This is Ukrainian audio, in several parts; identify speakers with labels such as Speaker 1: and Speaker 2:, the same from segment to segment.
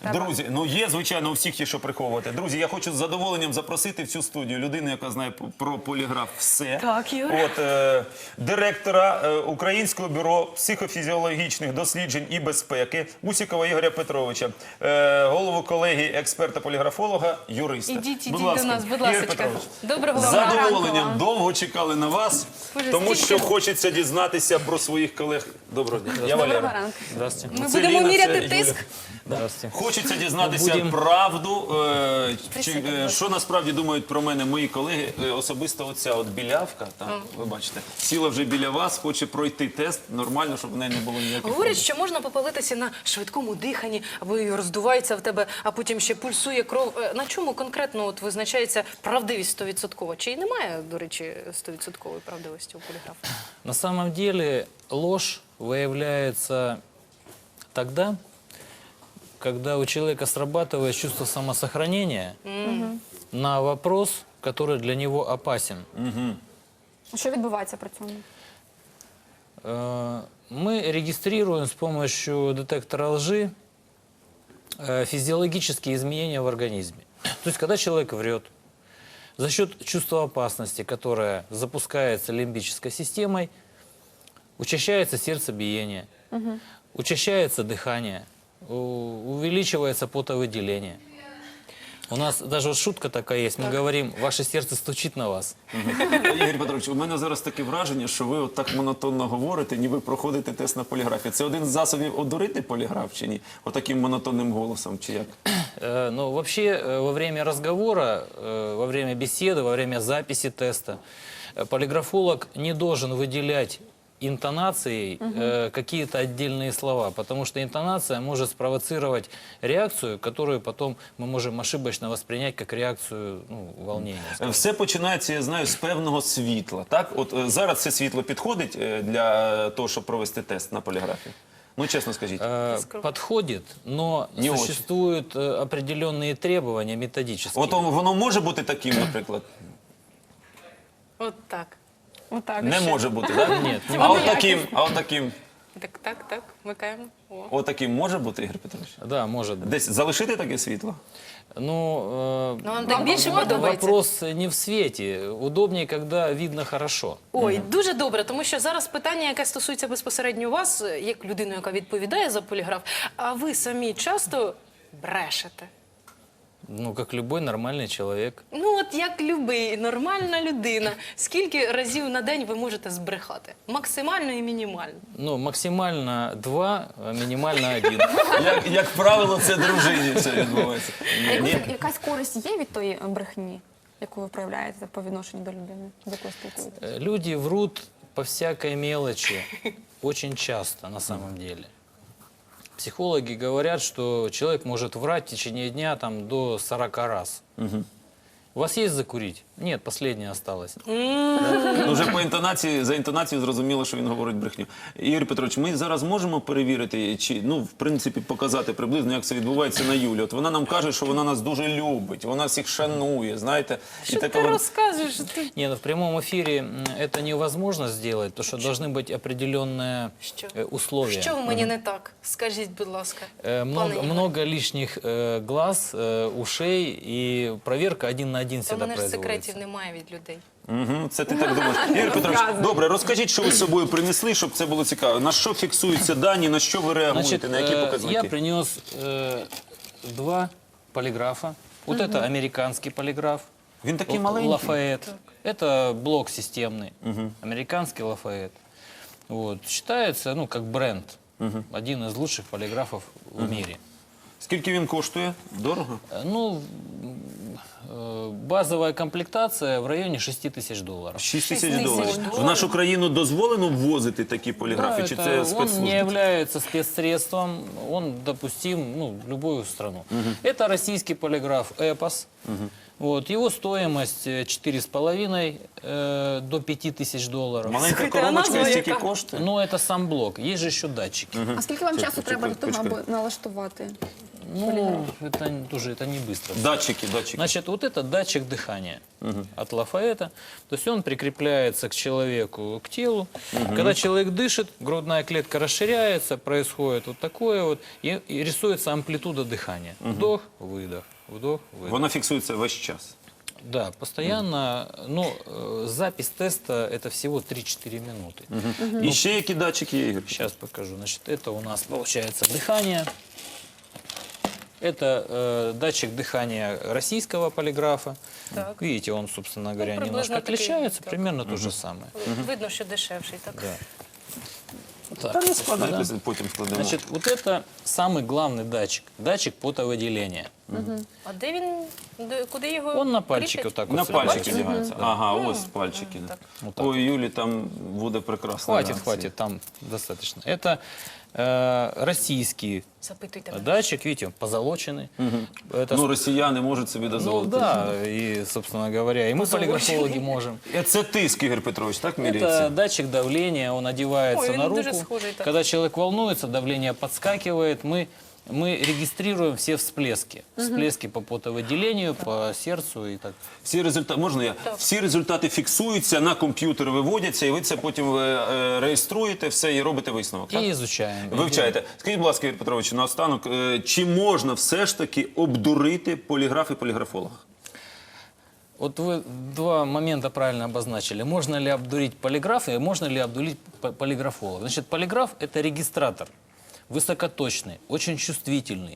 Speaker 1: Друзі, ну є, звичайно, у всіх є що приховувати. Друзі, я хочу з задоволенням запросити в цю студію людину, яка знає про поліграф все.
Speaker 2: Так, Юр.
Speaker 1: Директора Українського бюро психофізіологічних досліджень і безпеки Усікова Ігоря Петровича, голову колегії експерта-поліграфолога, юриста.
Speaker 2: Ідіть
Speaker 1: Будь
Speaker 2: до
Speaker 1: ласка,
Speaker 2: нас, будь
Speaker 1: Ігор
Speaker 2: ласка.
Speaker 1: Петрович.
Speaker 2: Доброго
Speaker 1: З
Speaker 2: вам
Speaker 1: задоволенням
Speaker 2: ранку.
Speaker 1: довго чекали на вас,
Speaker 2: Боже,
Speaker 1: тому що
Speaker 2: стільки-
Speaker 1: хочеться дізнатися про своїх колег. Доброго дня. Я
Speaker 2: Доброго
Speaker 1: Валера.
Speaker 2: ранку.
Speaker 3: Здравствуйте.
Speaker 2: Ми
Speaker 1: Це
Speaker 2: будемо
Speaker 1: Ліна,
Speaker 2: міряти
Speaker 1: це
Speaker 2: тиск.
Speaker 1: Юля.
Speaker 3: Здравствуйте.
Speaker 1: Хочеться дізнатися
Speaker 3: Будем-
Speaker 1: правду, що насправді думають про мене мої колеги. Особисто оця от білявка, там, ви бачите, сіла вже біля вас, хоче пройти тест нормально, щоб в неї не було ніяких
Speaker 2: Говорять,
Speaker 1: проблем.
Speaker 2: що можна попалитися на швидкому диханні, або і роздувається в тебе, а потім ще пульсує кров. На чому конкретно от визначається правдивість 100%? Чи й немає, до речі, 100% правдивості у поліграфа?
Speaker 3: На самом деле ложь выявляется тогда, когда у человека срабатывает чувство самосохранения на вопрос, который для него опасен.
Speaker 4: Що відбувається при цьому?
Speaker 3: Мы регистрируем с помощью детектора лжи физиологические изменения в организме. То есть, когда человек врет, за счет чувства опасности, которое запускается лимбической системой, учащается сердцебиение, учащается дыхание, увеличивается потовыделение. У нас даже вот шутка такая есть, мы говорим, ваше сердце стучит на вас.
Speaker 1: Ігор Петрович, у мене зараз таке враження, що ви от так монотонно говорите, ніби проходите тест на поліграфі. Це один з засобів одурити поліграф чи ні? Отаким монотонним голосом, чи як?
Speaker 3: Ну, вообще, во время разговора, во время беседы, во время записи теста, полиграфолог не должен выделять интонацией какие-то отдельные слова, потому что интонация может спровоцировать реакцию, которую потом мы можем ошибочно воспринять как реакцію волнения.
Speaker 1: Все починається, я знаю, з певного світла. Так? От зараз це світло підходить для того, щоб провести тест на поліграфі? Ну, чесно скажіть.
Speaker 3: Подходит, но
Speaker 1: Не очень.
Speaker 3: существуют определенные требования методические.
Speaker 1: От воно може бути таким, наприклад?
Speaker 2: От так.
Speaker 4: Отак.
Speaker 1: Не може бути, так?
Speaker 3: Нет, не
Speaker 1: А
Speaker 3: может.
Speaker 1: от таким,
Speaker 2: Так, вмикаємо. О.
Speaker 1: от таким може бути, Ігор Петрович?
Speaker 3: Да, может быть.
Speaker 1: Десь залишити таке світло?
Speaker 3: Ну,
Speaker 2: Ну, вам так більше подобається?
Speaker 3: вопрос не в свете. Удобнее, когда видно хорошо.
Speaker 2: Ой, дуже добре, тому що зараз питання, яке стосується безпосередньо вас, як людини, яка відповідає за поліграф, а ви самі часто брешете.
Speaker 3: Ну, как любой нормальный человек.
Speaker 2: Ну, от як любий, нормальна людина, скільки разів на день ви можете збрехати? Максимально і мінімально.
Speaker 3: Ну, максимально 2, а минимально 1.
Speaker 1: Як правило, це дружині все відбувається.
Speaker 4: Якась користь є від тої брехні, яку ви проявляєте по відношенню до людини, з якою спілкуєтесь?
Speaker 3: Люди врут по всякой мелочи очень часто, на самом деле. Психологи говорят, что человек может врать в течение дня там, до 40 раз. У вас есть закурить? Нет, последнее осталось.
Speaker 1: Ну, вже по інтонації, за інтонацією зрозуміло, що він говорить брехню. Ігор Петрович, ми зараз можемо перевірити, чи, ну, в принципі, показати приблизно, як це відбувається на Юлі. От вона нам каже, що вона нас дуже любить, вона всіх шанує, знаєте.
Speaker 2: Що ти розказуєш? Ти...
Speaker 3: Не, ну в прямом эфире это невозможно сделать, потому что должны быть определенные
Speaker 2: Що?
Speaker 3: условия.
Speaker 2: Що в мені не так? Скажіть, будь ласка.
Speaker 3: Много,
Speaker 2: пане Ігоре.
Speaker 3: много лишних глаз, ушей, и проверка 1 на 1
Speaker 2: Та в
Speaker 3: всегда
Speaker 2: мене ж секретів
Speaker 3: производится.
Speaker 2: немає від людей.
Speaker 1: Угу, це ти так думаєш. Ігор Петрович, добре, розкажіть, що ви з собою принесли, щоб це було цікаво. На що фіксуються дані, на що ви реагуєте,
Speaker 3: Значит,
Speaker 1: на які
Speaker 3: я
Speaker 1: показники?
Speaker 3: принес 2 полиграфа. Вот это американский полиграф.
Speaker 1: Він такий
Speaker 3: Вот
Speaker 1: маленький.
Speaker 3: Лафайет. Это блок системный. Американский Лафайет. Вот. Считается, ну, как бренд. Один из лучших полиграфов в мире.
Speaker 1: Скільки він коштує? Дорого?
Speaker 3: Ну, базовая комплектация в районе $6000.
Speaker 1: 6 тисяч
Speaker 2: 6
Speaker 1: доларів.
Speaker 2: тисяч
Speaker 1: В
Speaker 2: доларів.
Speaker 1: нашу країну дозволено ввозити такі
Speaker 3: Да,
Speaker 1: поліграфи, чи
Speaker 3: это-
Speaker 1: це
Speaker 3: он не
Speaker 1: спецслужби?
Speaker 3: является спецсредством, он допустим в любую страну. Это российский полиграф «Эпос». Вот, его стоимость 4,5 до $5000.
Speaker 1: Маленька
Speaker 2: Слухайте, а
Speaker 1: коробочка
Speaker 2: назва
Speaker 1: стільки
Speaker 2: яка?
Speaker 1: коштує?
Speaker 3: Но это сам блок, есть же еще датчики.
Speaker 4: А скільки вам часу треба для того,
Speaker 1: почекай.
Speaker 4: аби налаштувати?
Speaker 3: Ну, тоже это не быстро.
Speaker 1: Датчики.
Speaker 3: Значит, вот это датчик дыхания от Лафаэта. То есть он прикрепляется к человеку, к телу. Когда человек дышит, грудная клетка расширяется, происходит вот такое вот, и рисуется амплитуда дыхания. Вдох, выдох, вдох, выдох.
Speaker 1: Вона фіксується весь час.
Speaker 3: Да, постоянно. Ну, запись теста это всего 3-4 минуты.
Speaker 1: І ще які датчики є, Ігор?
Speaker 3: Сейчас покажу. Значит, это у нас получается дыхание. Это датчик дыхания российского полиграфа.
Speaker 2: Так.
Speaker 3: Видите, он, собственно говоря,
Speaker 2: приблизно
Speaker 3: немножко
Speaker 2: такий,
Speaker 3: отличается,
Speaker 2: так.
Speaker 3: примерно то же самое.
Speaker 2: Видно, що дешевший, так?
Speaker 3: Да.
Speaker 1: Та
Speaker 3: Так,
Speaker 1: не складайте, потім складемо.
Speaker 3: значит, вот это самый главный датчик. Датчик потовыделения.
Speaker 2: А де він, куди його
Speaker 3: Он на пальчике
Speaker 2: кріпять?
Speaker 3: вот так вот.
Speaker 1: На
Speaker 3: сюда
Speaker 1: пальчики
Speaker 3: бачите?
Speaker 1: вдягається. Ага, ось пальчики.
Speaker 3: Вот так.
Speaker 1: Ой, Юлі там буде прекрасно.
Speaker 3: Хватит, хватит, там достаточно. Это российский
Speaker 2: Запитуйте мене.
Speaker 3: датчик, видите, он позолоченный. Это
Speaker 1: Ну, росіяни можуть собі
Speaker 3: ну
Speaker 1: дозволити.
Speaker 3: да, и, собственно говоря, и мы полиграфологи можем.
Speaker 1: Це тиск, Ігор Петрович, так
Speaker 3: Это
Speaker 1: міряється?
Speaker 3: датчик давления, он одевается
Speaker 2: Ой,
Speaker 3: на
Speaker 2: он
Speaker 3: руку.
Speaker 2: даже схожий так.
Speaker 3: Когда человек волнуется, давление подскакивает, мы регистрируем все всплески. Всплески по потовыделению, по сердцу и так.
Speaker 1: Всі результати, можна я? Всі результати фіксуються, на комп'ютер виводяться, і ви це потім реєструєте, все, і робите висновок, так?
Speaker 3: И изучаем.
Speaker 1: Вивчаєте. Скажіть, будь ласка, Ігор Петрович, наостанок, чи можна все ж таки обдурити поліграф і поліграфолога?
Speaker 3: Вот вы два момента правильно обозначили. Можно ли обдурить полиграфа и можно ли обдурить полиграфолога? Значит, полиграф – это регистратор, высокоточный, очень чувствительный.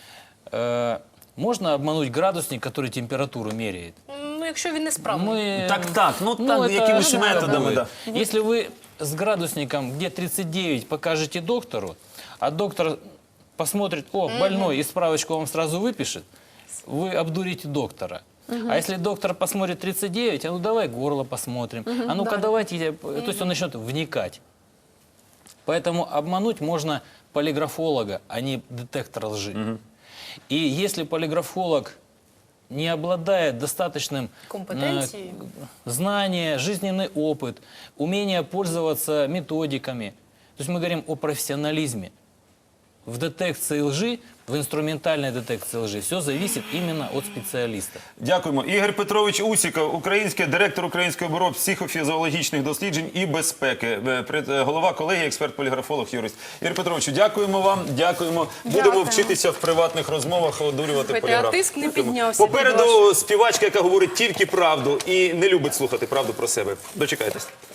Speaker 3: Можно обмануть градусник, который температуру меряет.
Speaker 2: Ну, якщо він не справний.
Speaker 1: Так, ну так,
Speaker 3: это
Speaker 1: якимись
Speaker 3: это
Speaker 1: методами,
Speaker 3: будет.
Speaker 1: да.
Speaker 3: Если вы с градусником, где 39, покажете доктору, а доктор посмотрит, о, больной, и справочку вам сразу выпишет, вы обдурите доктора. А если доктор посмотрит 39, а ну давай горло посмотрим, а ну-ка давайте, то есть он начнет вникать. Поэтому обмануть можно полиграфолога, а не детектор лжи. И если полиграфолог не обладает достаточным
Speaker 2: Компетенцией.
Speaker 3: знания, жизненный опыт, умение пользоваться методиками, то есть мы говорим о профессионализме. В детекции лжи, в инструментальной детекции лжи все зависит именно от специалиста.
Speaker 1: Дякуємо. Ігор Петрович Усіков, директор Українського бюро психофізіологічних досліджень і безпеки, голова колегії, експерт-поліграфолог, юрист. Ігор Петровичу, дякуємо вам, дякуємо. Будемо
Speaker 4: Дякую.
Speaker 1: вчитися в приватних розмовах одурювати
Speaker 2: Слухайте,
Speaker 1: поліграф.
Speaker 2: а тиск не піднявся,
Speaker 1: Попереду співачка, яка говорить тільки правду і не любить слухати правду про себе. Дочекайтесь.